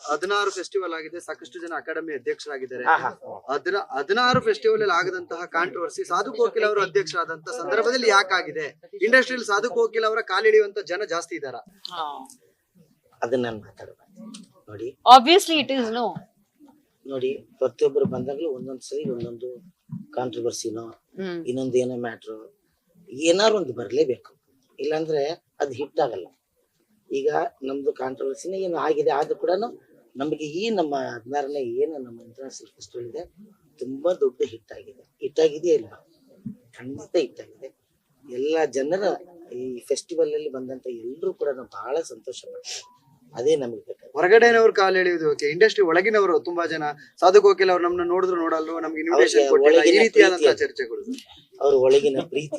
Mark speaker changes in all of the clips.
Speaker 1: 16 festival ಆಗಿದೆ, ಸಾಕಷ್ಟು ಜನ ಅಕಾಡೆಮಿ ಅಧ್ಯಕ್ಷರಾಗಿದ್ದಾರೆ. 16 ಫೆಸ್ಟಿವಲ್ ಅಲ್ಲಿ ಆಗದಂತಹ ಕಾಂಟ್ರವರ್ಸಿ ಸಾಧು ಕೋಕಿಲ್ ಅವರು ಅಧ್ಯಕ್ಷರಾದಂತಹ ಸಂದರ್ಭದಲ್ಲಿ ಯಾಕಾಗಿದೆ? ಇಂಡಸ್ಟ್ರಿಯಲ್ಲಿ ಸಾಧು ಕೋಕಿಲ್ ಅವರ ಕಾಲಿಡಿಯುವಂತ ಜನ ಜಾಸ್ತಿ ಇದಾರ?
Speaker 2: ಅದನ್ನ ನಾನು ಮಾತಾಡಬಾರ್ದು ನೋಡಿ.
Speaker 3: Obviously it is no.
Speaker 2: ನೋಡಿ, ಪ್ರತಿಯೊಬ್ಬರು ಬಂದಾಗ್ಲೂ ಒಂದೊಂದ್ಸರಿ ಒಂದೊಂದು ಕಾಂಟ್ರವರ್ಸಿನೋ ಇನ್ನೊಂದು ಏನೋ ಮ್ಯಾಟ್ರು ಏನಾರು ಒಂದು ಬರ್ಲೇಬೇಕು, ಇಲ್ಲಾಂದ್ರೆ ಅದು ಹಿಟ್ ಆಗಲ್ಲ. ಈಗ ನಮ್ದು ಕಾಂಟ್ರವರ್ಸಿನೇ ಏನು ಆಗಿದೆ, ಆದ್ರೂ ಕೂಡ ನಮಗೆ ಈ ನಮ್ಮ 16ನೇ ಏನು ನಮ್ಮ ಇಂಟರ್ನ್ಯಾಷನಲ್ ಫೆಸ್ಟಿವಲ್ ಇದೆ ತುಂಬಾ ದೊಡ್ಡ ಹಿಟ್ ಆಗಿದೆ. ಹಿಟ್ ಆಗಿದೆಯಾ ಇಲ್ಲ? ಖಂಡಿತ ಹಿಟ್ ಆಗಿದೆ. ಎಲ್ಲ ಜನರ ಈ ಫೆಸ್ಟಿವಲ್ ಅಲ್ಲಿ ಬಂದಂತ ಎಲ್ಲರೂ ಕೂಡ ಬಹಳ ಸಂತೋಷ ಪಡ್ತಾರೆ. ಅದೇ ನಮಗೆ ಬೇಕಾದ್ರೆ.
Speaker 1: ಹೊರಗಡೆನವ್ರು ಕಾಲು ಎಳೆಯುವುದು ಓಕೆ, ಇಂಡಸ್ಟ್ರಿ ಒಳಗಿನವರು ತುಂಬಾ ಜನ ಸಾಧು ಕೋಕಿಲ್ ಅವ್ರು ನಮ್ಮನ್ನ ನೋಡಿದ್ರು ನೋಡಲ್ವ, ನಮ್ಗೆ ಇನ್ವಿಟೇಷನ್ ಕೊಟ್ಟಿಲ್ಲ, ಈ ರೀತಿಯಾದಂತಹ ಚರ್ಚೆಗಳು.
Speaker 2: ಅವ್ರ ಒಳಗಿನ ಪ್ರೀತಿ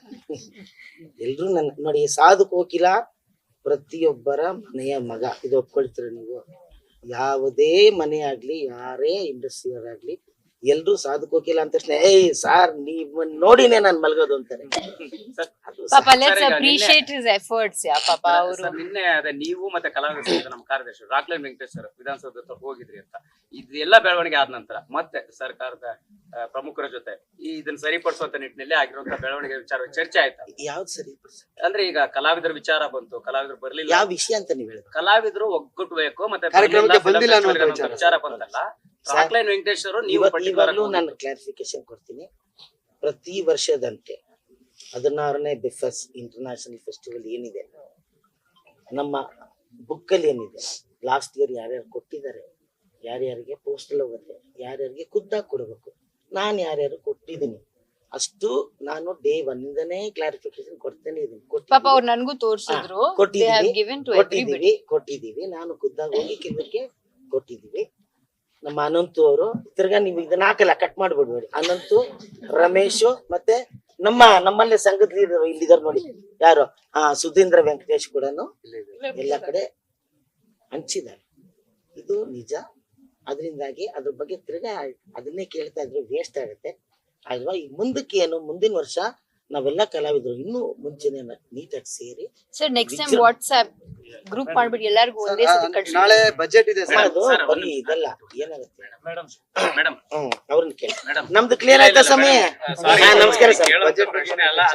Speaker 2: ಎಲ್ರು ನನ್ನ ನೋಡಿ. ಸಾಧು ಕೋಕಿಲ ಪ್ರತಿಯೊಬ್ಬರ ಮನೆಯ ಮಗ, ಇದು ಒಪ್ಕೊಳ್ತೀರ ನೀವು? ಯಾವುದೇ ಮನೆ ಆಗ್ಲಿ, ಯಾರೇ ಇಂಡಸ್ಟ್ರಿಯರ್ ಆಗ್ಲಿ, ಎಲ್ರು ಸಾಧು ಕೋಕಿಲ ಅಂತ ತಕ್ಷಣ ಏಯ್ ಸಾರ್ ನೀವ್ ನೋಡಿನೇ ನಾನ್ ಮಲ್ಗೋದು ಅಂತಾರೆ.
Speaker 3: ಪಾಪ let's appreciate his efforts. Yeah ಪಾಪ ಅವರು
Speaker 4: ನಿನ್ನೆ ಅದೇ ನೀವು ಮತ್ತೆ ಕಲಾವಿದರು ನಮ್ಮ ಕಾರ್ಯದರ್ಶಿ ರಾಕ್ಲೈನ್ ವೆಂಕಟೇಶ್ ಸರ್ ವಿಧಾನಸೌಧ ಹತ್ರ ಹೋಗಿದ್ರಿ ಅಂತ. ಇದೆಲ್ಲ ಬೆಳವಣಿಗೆ ಆದ ನಂತರ ಮತ್ತೆ ಸರ್ಕಾರದ ಪ್ರಮುಖರ ಜೊತೆ ಇದನ್ನ ಸರಿಪಡಿಸುವಂತ ನಿಟ್ಟಿನಲ್ಲಿ ಆಗಿರುವಂತಹ ಬೆಳವಣಿಗೆ ವಿಚಾರ ಚರ್ಚೆ ಆಯ್ತಾ?
Speaker 2: ಯಾವ್ದು ಸರಿ?
Speaker 4: ಅಂದ್ರೆ ಈಗ ಕಲಾವಿದರ ವಿಚಾರ ಬಂತು, ಕಲಾವಿದರು ಬರ್ಲಿಲ್ಲ,
Speaker 2: ಯಾವ ವಿಷಯ ಅಂತ ನೀವ್ ಹೇಳಿದ್ರು?
Speaker 4: ಕಲಾವಿದರು ಒಗ್ಗಟ್ಟಬೇಕು ಮತ್ತೆ
Speaker 1: ಕಾರ್ಯಕ್ರಮಕ್ಕೆ ಬಂದಿಲ್ಲ ಅನ್ನೋ
Speaker 4: ವಿಚಾರ ಬಂತಲ್ಲ. ರಾಕ್ಲೈನ್ ವೆಂಕಟೇಶ್ ಅವರು ನೀವು
Speaker 2: ಇವಾಗಲೂ ನಾನು ಕ್ಲಾರಿಫಿಕೇಶನ್ ಕೊಡ್ತೀನಿ. ಪ್ರತಿ ವರ್ಷದಂತೆ 16ನೇ ಬಿಫಸ್ ಇಂಟರ್ನ್ಯಾಷನಲ್ ಫೆಸ್ಟಿವಲ್ ಏನಿದೆ ನಮ್ಮ ಬುಕ್ ಅಲ್ಲಿ ಏನಿದೆ, ಲಾಸ್ಟ್ ಇಯರ್ ಯಾರ್ಯಾರು ಕೊಟ್ಟಿದ್ದಾರೆ, ಯಾರ್ಯಾರಿಗೆ ಪೋಸ್ಟಲ್ ಹೋಗುತ್ತೆ, ಯಾರ್ಯಾರಿಗೆ ಖುದ್ದಾಗಿ ಕೊಡಬೇಕು, ನಾನು ಯಾರ್ಯಾರು ಕೊಟ್ಟಿದ್ದೀನಿ ಅಷ್ಟು ನಾನು ಡೇ 1ಇಂದನೇ ಕ್ಲಾರಿಫಿಕೇಶನ್ ಕೊಡ್ತೇನೆ ಇದೀನಿ.
Speaker 3: ಪಾಪ ಅವ್ರು ನನಗೂ ತೋರಿಸಿದ್ರು.
Speaker 2: ಕೊಟ್ಟಿದ್ದೀವಿ. ನಾನು ಖುದ್ದಾಗಿ ಹೋಗಿ ಕೆಲವರಿಗೆ ಕೊಟ್ಟಿದ್ದೀವಿ. ನಮ್ಮ ಅನಂತು ಅವರು ತಿರ್ಗಾ ನೀವು ಇದನ್ನ ಹಾಕಲ್ಲ, ಕಟ್ ಮಾಡ್ಬಿಡ್ಬೇಡಿ. ಅನಂತು, ರಮೇಶು ಮತ್ತೆ ನಮ್ಮಲ್ಲೇ ಸಂಘದ ಲೀಡರ್ ಇಲ್ಲಿದ್ದಾರೆ ನೋಡಿ, ಯಾರು ಸುಧೀಂದ್ರ ವೆಂಕಟೇಶ್ ಕೂಡ ಎಲ್ಲ ಕಡೆ ಹಂಚಿದ್ದಾರೆ. ಇದು ನಿಜ. ಅದರಿಂದಾಗಿ ಅದ್ರ ಬಗ್ಗೆ ತಿರ್ಗಾ ಅದನ್ನೇ ಕೇಳ್ತಾ ಇದ್ರು ವೇಸ್ಟ್ ಆಗುತ್ತೆ ಅಲ್ವಾ? ಈಗ ಮುಂದಕ್ಕೆ ಏನು, ಮುಂದಿನ ವರ್ಷ ನಾವೆಲ್ಲ ಕಲಾವಿದ್ರು ಇನ್ನೂ ಮುಂಚೆನೆ ನೀಟಾಗಿ ಸೇರಿ
Speaker 3: sir next time WhatsApp group ಮಾಡ್ಬಿಟ್ಟು ಎಲ್ಲರಿಗೂ ಒಂದೇ ಸತಿ ಕಳ್ಸಿ.
Speaker 1: ನಾಳೆ ಬಜೆಟ್ ಇದೆ ಸರ್.
Speaker 2: ಅದು ಬರೀ ಇದೆಲ್ಲ ಏನಾಗುತ್ತೆ
Speaker 4: ಮೇಡಮ್
Speaker 2: ಅವ್ರನ್ನ ಕೇಳಿ. ನಮ್ದು ಕ್ಲಿಯರ್ ಆಯ್ತಾ ಸಮಯ? ನಮಸ್ಕಾರ ಸರ್.
Speaker 4: ಬಜೆಟ್ ಪ್ರಶ್ನೆ ಅಲ್ಲ.